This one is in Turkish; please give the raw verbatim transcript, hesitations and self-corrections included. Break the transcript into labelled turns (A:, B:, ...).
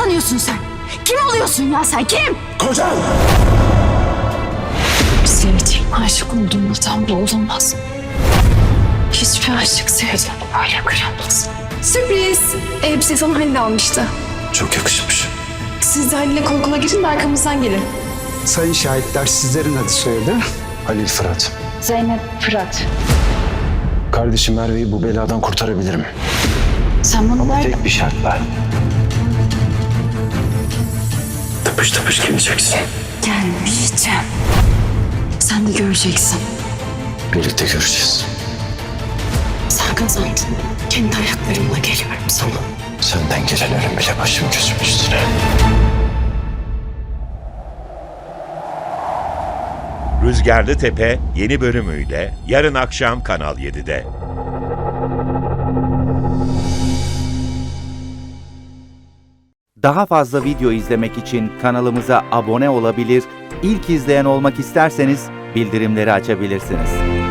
A: sanıyorsun sen? Kim oluyorsun ya sen? Kim?
B: Kocan!
C: Senin için aşık olduğumdan bu olmaz. Hiçbir aşık sevdiğini böyle kıramaz.
D: Sürpriz. Elbise sana Halil almıştı.
B: Çok yakışmış.
D: Siz de Halil'le kol kola girin de arkamızdan gelin.
E: Sayın şahitler, sizlerin adı soyadı.
B: Halil Fırat.
C: Zeynep Fırat.
B: Kardeşim Merve'yi bu beladan kurtarabilirim.
C: Sen bana ver.
B: Tek bir şartla. Tıpış tıpış geleceksin.
C: Gelmeyeceğim. Sen de göreceksin.
B: Birlikte göreceğiz.
C: Sen kazandın. Kendi ayaklarımla geliyorum sana.
B: Senden gelelerin bile başım gözüm üstüne.
F: Rüzgarlı Tepe yeni bölümüyle yarın akşam Kanal yedide.
G: Daha fazla video izlemek için kanalımıza abone olabilir, ilk izleyen olmak isterseniz bildirimleri açabilirsiniz.